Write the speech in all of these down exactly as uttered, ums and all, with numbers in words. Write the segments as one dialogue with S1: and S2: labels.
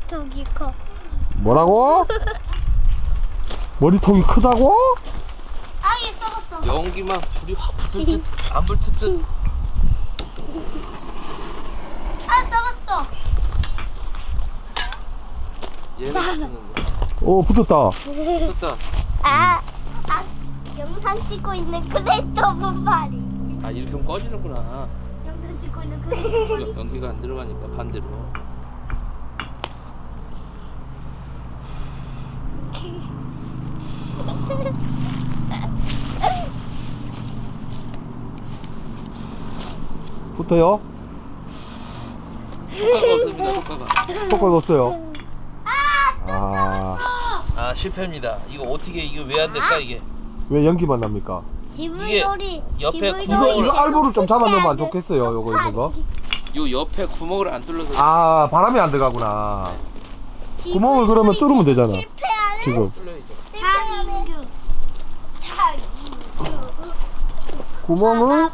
S1: 머리통이 커.
S2: 뭐라고? 머리통이 크다고?
S1: 아얘 썩었어.
S3: 연기만 불이 확 붙을 듯 안 붙을 듯.
S1: 아 썩었어.
S3: 얘는 붙는데.
S2: 오 붙었다.
S3: 붙었다.
S1: 아, 아 영상 찍고 있는 크레이터브 말이.
S3: 아 이렇게 하면 꺼지는구나.
S1: 영상 찍고 있는 크레이터브.
S3: 여- 연기가 안 들어가니까 반대로.
S2: 붙어요?
S3: 효과가 없습니다. 효과가.
S2: 효과가 없어요. 아,
S3: 아 실패입니다. 이거 어떻게 이거 왜 안 될까 이게?
S2: 왜 연기만 납니까?
S1: 지브이놀이.
S3: 옆에
S1: 지브이놀이
S3: 구멍을-
S2: 이거 알보를 좀 잡아놓으면 안 좋겠어요, 요거 있는 거.
S3: 요 옆에 구멍을 안 뚫려서.
S2: 아, 바람이 안 들어가구나. 구멍을 그러면 뚫으면 되잖아.
S1: 실패하는
S2: 지금
S3: 뚫려야죠.
S1: 장인규. 장인규.
S2: 구멍을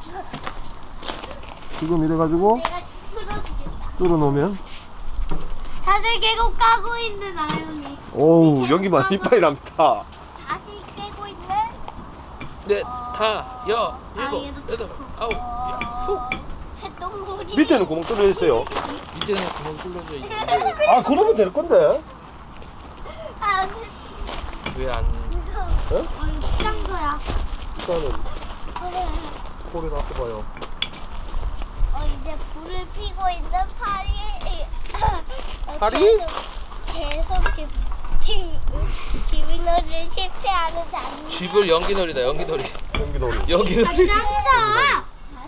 S2: 지금 이래가지고
S1: 내가 풀어주겠다.
S2: 뚫어놓으면.
S1: 다들 계곡 까고 있는 아영이.
S2: 오우, 연기만 이빨이 납니다.
S1: 다시 깨고 있는
S3: 네, 다, 여, 일곱,
S1: 얘도
S3: 여덟, 아홉, 야, 후.
S1: 해동물이.
S2: 밑에는 구멍 뚫려 있어요.
S3: 밑에는 구멍 뚫려져 있는데
S2: 아, 그러면 될 건데.
S1: 아,
S3: 왜 안?
S1: 이거. 어, 이거 필요한 거야.
S2: 일단은
S1: 그래.
S2: 소리 나서
S1: 어 이제 불을 피고 있는 파리. 어,
S2: 파리?
S1: 계속, 계속 집, 집, 집이놀이를 실패하는 장면.
S3: 쥐불 연기놀이다, 연기놀이.
S2: 연기놀이.
S3: 연기놀이.
S1: 짱다.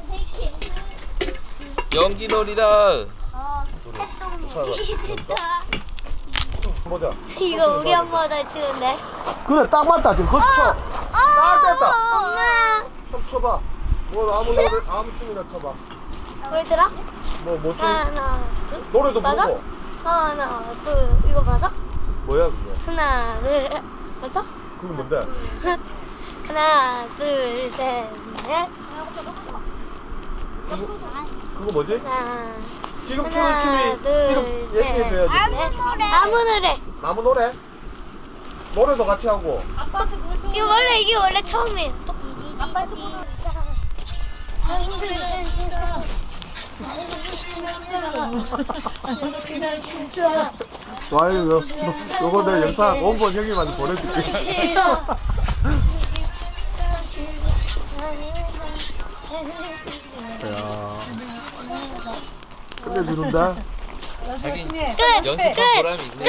S3: 연기놀이다.
S1: 어, 해동물이다.
S2: 보자.
S1: 이거 우리 엄마도 치는데.
S2: 그래, 딱 맞다. 지금 허스 쳐. 딱 됐다.
S1: 엄마.
S2: 한번 쳐봐. 뭐 아무 노래 아무 춤이나 쳐봐.
S1: 보여드라?
S2: 뭐 뭐 춤?
S1: 하나, 둘.
S2: 노래도
S1: 맞아?
S2: 부르고.
S1: 하나, 둘. 이거 맞아?
S2: 뭐야 그게?
S1: 하나, 둘. 맞아?
S2: 그게 뭔데?
S1: 하나, 둘, 셋, 넷.
S2: 그거 뭐지?
S1: 하나,
S2: 지금 추는
S1: 하나,
S2: 춤이
S1: 둘,
S2: 이름
S1: 셋.
S2: 얘기해줘야지.
S1: 넷. 아무 노래.
S2: 나무 노래? 노래도 같이 하고.
S1: 이거 원래 이게 원래 처음이에요.
S2: 아유, 요, 요거 내 영상 원본 형님한테 보내줄게. 야, 끝내주는데?
S3: 자기
S1: 끝!
S3: 연습한
S1: 끝!
S3: 보람이 있네.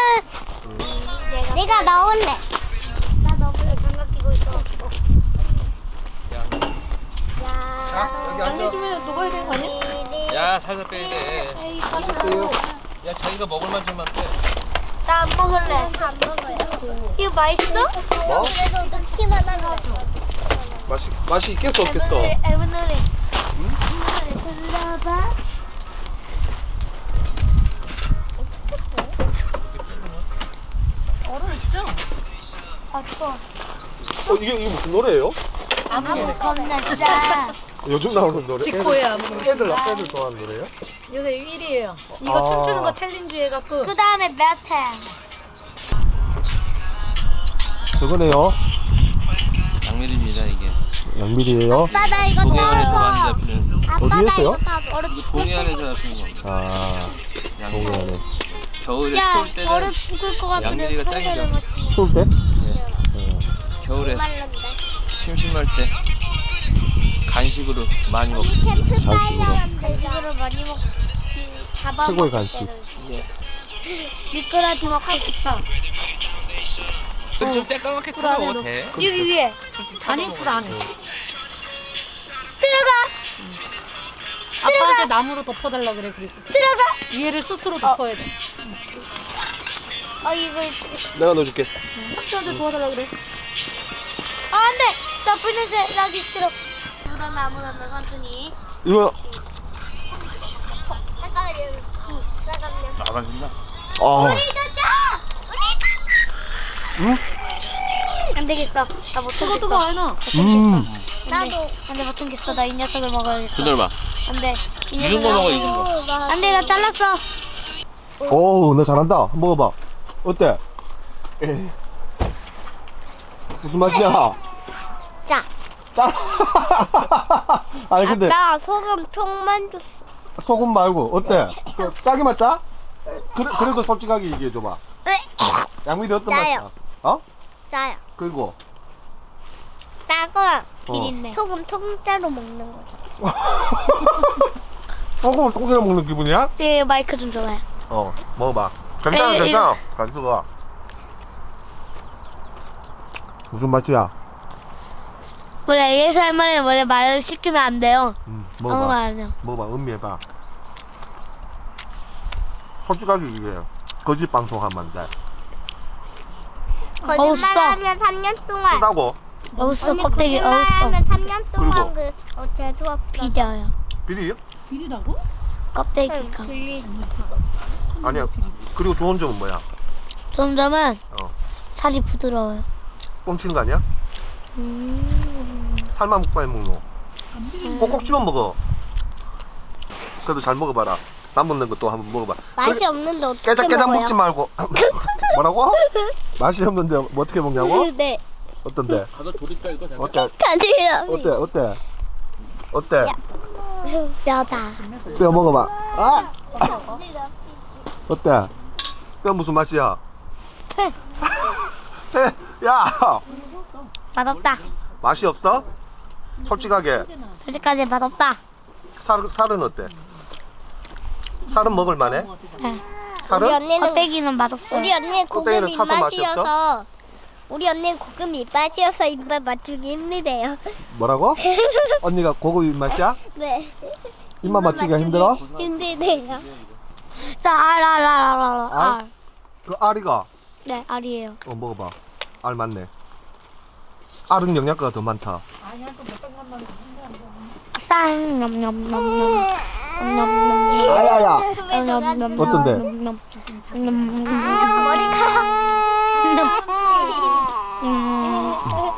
S1: 끝! 내가 나올래. 나 너무 장갑 끼고 있어.
S3: 야,
S1: 야,
S2: 여기 앉아.
S4: 주면 녹아야 되는 거 아니야?
S3: 야 살살 빼야 돼.
S4: 에이, 빠졌어.
S3: 야 자기가 먹을 만큼만 빼.
S1: 나 안 먹을래. 안 먹어요. 이거 맛있어?
S2: 뭐?
S1: 그래도 넣기만 하면
S2: 맛이 맛이 있겠어 없겠어?
S1: 앨범 노래. 노래 불러봐.
S4: 얼음 있죠?
S1: 아, 추워.
S2: 어 이게 이게 무슨 노래예요?
S1: 아무 겁나 싸.
S2: 요즘 나오는 노래?
S4: 지코야,
S2: 애들,
S4: 아무
S2: 애들 애들 좋아하는 노래요?
S4: 요새 일 위예요. 이거
S2: 아.
S4: 춤추는 거 챌린지 해갖고.
S1: 그 다음에 메탈.
S2: 저거네요.
S3: 양밀입니다 이게.
S2: 양미리예요.
S1: 아빠 나 이거
S3: 동해안에서 많이
S1: 따서.
S3: 잡히는.
S1: 아빠
S2: 어디
S1: 나
S2: 했어요?
S1: 이거 따서. 얼음
S3: 동해안에서 잡히는 겁니다.
S2: 아,
S3: 양밀.
S2: 동해안에.
S3: 겨울에
S1: 야,
S3: 추울 때는
S1: 얼음 죽을 것 같은데.
S3: 양미리가 짱이죠.
S2: 추울 때?
S3: 겨울에
S1: 말랐는데.
S3: 심심할 때 간식으로 많이 먹고.
S1: 캠프파이어인데 이거를 많이 먹. 잡아
S2: 최고의
S1: 먹을
S2: 간식.
S1: 때는.
S3: 예.
S1: 미끄러지 먹고 싶어.
S3: 좀 새까맣게 끓여 먹어도 돼.
S1: 여기 위에
S4: 안 예쁘다, 안 해.
S1: 들어가.
S4: 아빠한테 나무로 덮어달라 그래, 그래서.
S1: 들어가.
S4: 위에를 숯으로 덮어야 돼.
S1: 어 이거.
S2: 내가 넣어줄게.
S4: 삼촌한테 도와달라 그래.
S1: 아 안돼. 나 불냄새 나기 싫어. 물은 아무나 삼촌이.
S2: 이거
S1: 잠깐만요. 응, 잠깐만요.
S3: 나가신다.
S2: 아,
S1: 우리 가자. 우리 가자.
S2: 응?
S1: 안 되겠어. 나 못
S4: 저거
S1: 참겠어.
S4: 저거 안 해.
S2: 음,
S1: 나도. 안돼 못 참겠어. 나 이 녀석을 먹어야겠어.
S3: 그들 봐.
S1: 안돼. 이
S3: 익은 거 먹어, 익은 거.
S1: 안돼 나 잘랐어.
S2: 오, 너 잘한다. 한번 먹어봐. 어때? 에이. 무슨 맛이야?
S1: 짜.
S2: 짜. 아니 근데
S1: 나 소금 통만 줬어.
S2: 소금 말고 어때? 그 짜기만 짜? 그래, 그래도 솔직하게 얘기해줘봐. 양미리 어떤
S1: 짜요.
S2: 맛이야? 어?
S1: 짜요.
S2: 그리고
S1: 짜고
S2: 비린내.
S1: 소금 통짜로 먹는 거.
S2: 소금을 통째로 먹는 기분이야?
S1: 네, 마이크 좀 줘봐요.
S2: 어, 먹어봐. 괜찮아,
S1: 에이,
S2: 괜찮아. 잘 쓰고. 무슨 맛이야?
S1: 우리 에이에스 할머니는 원래 말을 시키면 안 돼요.
S2: 음,
S1: 아무
S2: 먹어봐.
S1: 말 안 해요.
S2: 먹어봐, 음미해봐. 솔직하게 얘기해. 거짓 방송하면 안 돼.
S1: 거짓말하면 삼 년 동안.
S2: 쓰다고
S1: 어우써 껍데기 어우써.
S5: 거짓말하면 삼 년
S2: 그리고?
S5: 동안 그 어, 제주 없어.
S1: 비려요.
S2: 비리?
S4: 비리다고?
S1: 껍데기가.
S2: 아니야. 그리고 좋은 점은 뭐야?
S1: 점점은
S2: 어.
S1: 살이 부드러워요.
S2: 뻥치는 거 아니야?
S1: 음.
S2: 살만 먹고 많이 먹노. 꼭꼭 집어 먹어. 그래도 잘 먹어봐라. 남는 것도 한번 먹어봐.
S5: 맛이 없는데 어떻게
S2: 깨작깨작
S5: 먹어요?
S2: 먹지 말고. 뭐라고? 맛이 없는데 뭐 어떻게 먹냐고?
S5: 네.
S2: 어떤데?
S3: 가서 조립가 이거 잠깐.
S2: 어때?
S5: 가지요.
S2: 어때? 어때? 어때?
S5: 뼈다.
S2: 뼈 먹어봐. 아! 어때? 뼈 무슨 맛이야? 야!
S1: 맛없다.
S2: 맛이 없어? 솔직하게.
S1: 솔직하게 맛없다.
S2: 살, 살은 어때? 살은 먹을 만해?
S1: 네.
S5: 우리
S2: 살은?
S5: 언니는
S1: 껍데기는 맛없어요.
S5: 우리 언니는 고급
S2: 껍데기는 타서 맛이
S5: 입맛이어서 우리 언니는 고급 입맛이어서 입맛 맞추기 힘들대요.
S2: 뭐라고? 언니가 고급 입맛이야?
S5: 네.
S2: 입맛 맞추기가 힘들어?
S5: 힘들대요.
S1: 자, 알, 알, 알, 알, 알,
S2: 알?
S1: 알.
S2: 그 알이가
S1: 네, 알이에요.
S2: 어 먹어봐. 알 맞네. 알은 영양가가 더 많다.
S1: 쌍, 냠냠냠냠. 냠냠냠.
S2: 아야야.
S1: 냠냠냠.
S2: 어떤데?
S1: 냠냠냠.
S5: 머리카락.
S1: 음.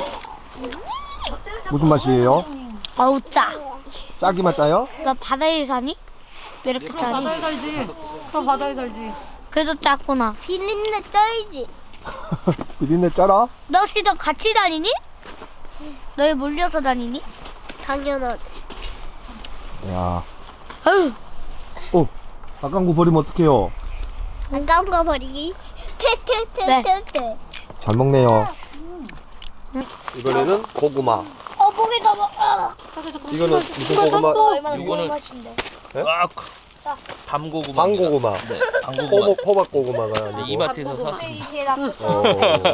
S2: 무슨 맛이에요?
S1: 어우, 짜.
S2: 짜기만 짜요?
S1: 너 바다에 사니? 왜 이렇게
S4: 그럼
S1: 짜니?
S4: 바다에 살지. 그럼 바다에 살지.
S1: 그래도 짰구나.
S5: 비린내 쩔지.
S2: 비린내 짜라?
S1: 너 진짜 같이 다니니? 너희 몰려서 다니니?
S5: 당연하지.
S2: 야.
S1: 어휴.
S2: 어. 아까운 거 버리면 어떡해요?
S5: 아까운 거 버리기. 퇴퇴퇴퇴퇴.
S2: 잘 먹네요. 이번에는 고구마.
S1: 어, 목이 너무, 아.
S2: 이거는 무슨 고구마?
S1: 얼마나
S3: 이거는-
S1: 좋은 맛인데.
S3: 아, 밤고구마.
S2: 방고구마.
S3: 네, 밤고구마.
S2: 호박, 호박 고구마가
S3: 네,
S2: 아니고.
S3: 이마트에서 샀습니다.
S1: 이게 나
S2: 어.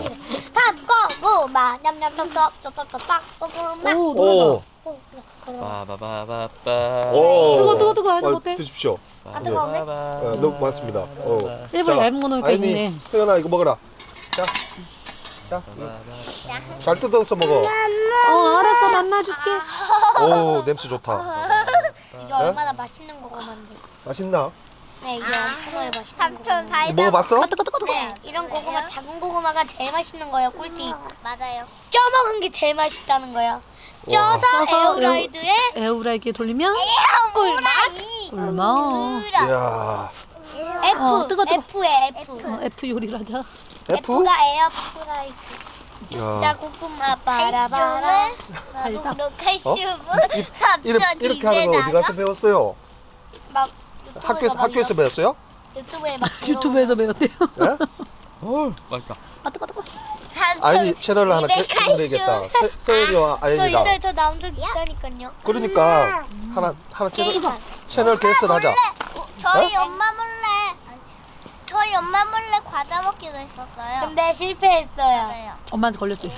S5: 닭고구마 냠냠냠냠 닭고구마.
S4: 오,
S2: 오.
S4: 노래다.
S3: 빠바바바빠.
S2: 오.
S4: 뜨거, 뜨거, 뜨거. 해도
S2: 어,
S4: 못해?
S2: 드십시오.
S3: 뜨거운데?
S2: 어, 너무 고맙습니다. 어.
S4: 일부러 얇은 거 넣으니까
S2: 아이니,
S4: 있네.
S2: 소연아 이거 먹어라. 자, 자, 잘 뜯어서 먹어.
S4: 어, 알았어. 만나줄게.
S2: 오, 냄새 좋다.
S1: 이게 얼마나 맛있는 고구마인데.
S2: 맛있나?
S1: 네, 이게 엄청나게 맛있는
S5: 삼촌
S1: 고구마.
S5: 사이다.
S2: 먹어봤어?
S4: 뜨거, 뜨거, 뜨거.
S1: 네, 이런 고구마, 작은 고구마가 제일 맛있는 거예요, 꿀팁.
S5: 맞아요.
S1: 쪄 먹은 게 제일 맛있다는 거예요. 쪄서
S4: 쪄서
S1: 에어라이드에
S4: 에어프라이기에 돌리면
S1: 꿀맛.
S4: 꿀맛.
S2: 이야.
S1: F,
S4: 어, 뜨거, 뜨거.
S1: F에 F.
S4: 어, F 요리를 하자.
S2: F?
S1: F가 에어프라이드. 자,
S2: 야.
S1: 고구마 바라바라.
S4: 달다.
S5: 칼슘은
S2: 이렇게, 이렇게 하는 거 어디 가서 배웠어요?
S1: 막
S2: 학교에서
S1: 막
S2: 학교에서 배웠어요?
S1: 유튜브에 막
S4: 유튜브에서 배웠대요.
S2: 예? 어.
S3: 맛있다.
S4: 아, 뜨거, 뜨거.
S2: 아이니 채널을 하나
S5: 입에
S2: 개면 되겠다. 세- 세연이와
S1: 저
S2: 아이니가.
S1: 있어요. 저 나온 적 있다니까요.
S2: 그러니까 하나 하나 채널
S1: 게임만.
S2: 채널 개설 하자.
S5: 저희 엄마 몰래 저희 엄마 몰래 과자 먹기도 했었어요.
S1: 근데 실패했어요.
S5: 맞아요.
S4: 엄마한테 걸렸지.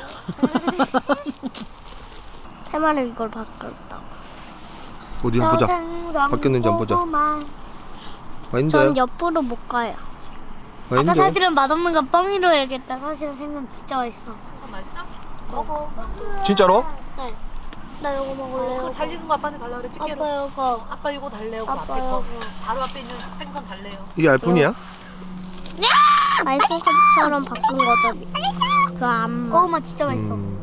S1: 해마는 이걸 바꿨다.
S2: 어디 한번 보자. 바뀌었는지 한번 보자. 아닌데.
S1: 전 옆으로 못 가요. 아까
S2: 아닌데.
S1: 사실은 맛없는 거 뻥이로 해야겠다. 사실은 생선 진짜 맛있어.
S4: 맛있어?
S1: 먹어.
S2: 진짜로?
S1: 네. 나 이거 먹을래요.
S4: 그거 잘 익은 거 아빠한테 달라 그래. 집게로.
S1: 아빠 이거.
S4: 아빠 이거 달래요. 그
S1: 아빠
S4: 앞에 거.
S1: 이거.
S4: 바로 앞에 있는 생선 달래요.
S2: 이게 알뿐이야?
S1: 아이폰처럼 바꾼 거죠. 그 암. 고구마 진짜 맛있어.
S2: 음.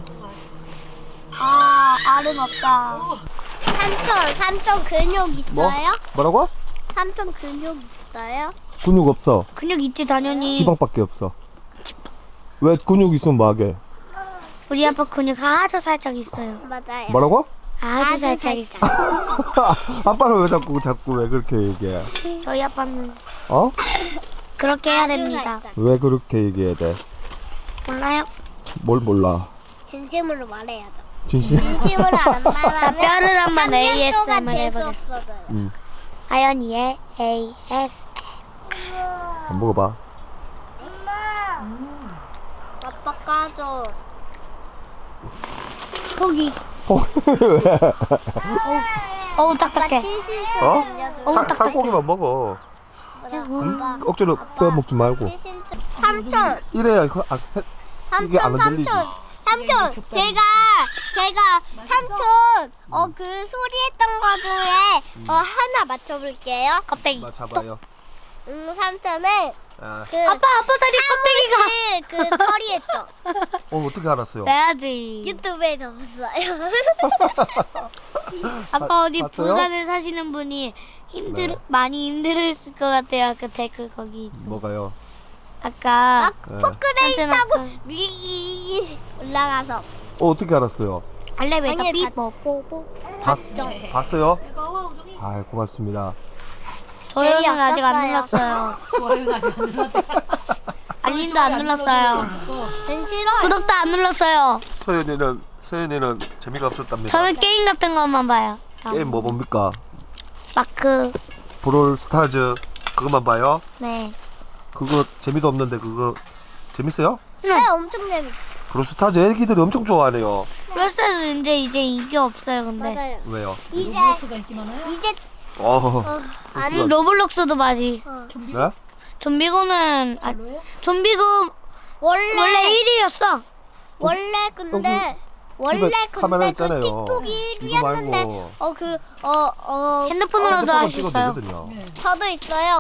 S1: 아, 알은 없다.
S5: 삼촌 삼촌 근육
S2: 뭐?
S5: 있어요?
S2: 뭐라고?
S5: 삼촌 근육 있어요?
S2: 근육 없어.
S1: 근육 있지 당연히.
S2: 지방밖에 없어. 왜 근육 있으면 뭐하게?
S1: 우리 아빠 근육 아주 살짝 있어요.
S5: 맞아요.
S2: 뭐라고?
S1: 아주,
S5: 아주
S1: 살짝 있어요.
S2: 아빠는 왜 자꾸 자꾸 왜 그렇게 얘기해?
S1: 저희 아빠는
S2: 어?
S1: 그렇게 해야
S5: 아주
S1: 됩니다.
S5: 살짝.
S2: 왜 그렇게 얘기해야 돼?
S1: 몰라요?
S2: 뭘 몰라?
S5: 진심으로 말해야죠.
S2: 진심?
S5: 진심으로 안
S1: 자,
S5: 말하면
S1: 뼈를 한번
S5: 삼 년 동안
S1: 에이에스엠R 해보겠습니다.
S5: 재수없어져요.
S2: 응.
S1: 아연이의 에이에스.
S2: 안 먹어봐.
S5: 아빠 까줘.
S1: 거기.
S2: 어, 왜?
S1: 어우
S5: 아빠
S1: 딱딱해.
S5: 치실 좀
S2: 어?
S5: 알려줘.
S2: 살, 살코기만 먹어. 응? 억지로 빼 먹지 말고.
S5: 치실 좀. 삼촌.
S2: 이래야 이거 아, 해- 이게 안
S5: 삼촌,
S2: 흔들리지.
S5: 삼촌. 삼촌, 제가 제가 삼촌 어 그 소리했던 거 중에 어 하나 맞춰볼게요.
S1: 껍데기.
S2: 맞춰봐요.
S5: 음, 삼촌은
S2: 아,
S5: 그
S1: 아빠 아빠 다리 껍데기가.
S5: 사무실 그 처리했죠.
S2: 어 어떻게 알았어요?
S1: 빼야지.
S5: 유튜브에서 봤어요.
S1: 아까 어디
S2: 봤어요?
S1: 부산에 사시는 분이 힘들
S2: 네.
S1: 많이 힘들었을 것 같아요. 아까 댓글 거기 있어.
S2: 뭐가요?
S1: 아까
S2: 네.
S5: 포크레인
S1: 삼촌
S5: 타고
S1: 아까
S5: 위 올라가서
S2: 어 어떻게 알았어요?
S1: 알레베이터
S5: 아니,
S1: 삐뽀 뽀뽀.
S2: 봤, 봤어요?
S4: 이거 우정이
S2: 아 고맙습니다.
S1: 저희는
S5: 제이
S1: 아직 안
S5: 없었어요.
S1: 눌렀어요.
S4: 좋아요는 아직 안 눌렀대.
S1: 알림도 안 눌렀어요.
S5: 전 싫어요.
S1: 구독도 안 눌렀어요.
S2: 서연이는 서연이는 재미가 없었답니다.
S1: 저는 게임 같은 것만 봐요.
S2: 게임 뭐 봅니까?
S1: 마크.
S2: 브롤 스타즈 그것만 봐요?
S1: 네.
S2: 그거 재미도 없는데 그거 재밌어요?
S5: 네, 엄청 재밌어.
S2: 브롤 스타즈 애기들이 엄청 좋아하네요.
S1: 플러스는 이제 이제 이게 없어요. 근데
S5: 맞아요.
S2: 왜요?
S5: 이제
S4: 로블록스가 인기 많아요?
S5: 이제
S2: 어.
S5: 아니
S1: 로블록스도 맞이.
S4: 좀비?
S2: 네?
S1: 좀비고는 아,
S4: 별로예요?
S1: 좀비고
S5: 원래
S1: 원래 일 위였어.
S5: 원래 근데 원래
S2: 집에 카메라
S5: 근데 그
S2: 있잖아요.
S5: 틱톡이
S2: 이거 말고
S5: 일 위였는데 어 그 어 어
S1: 핸드폰으로도 할 수
S2: 찍어도
S1: 있어요.
S2: 되거든요.
S4: 네.
S5: 저도 있어요.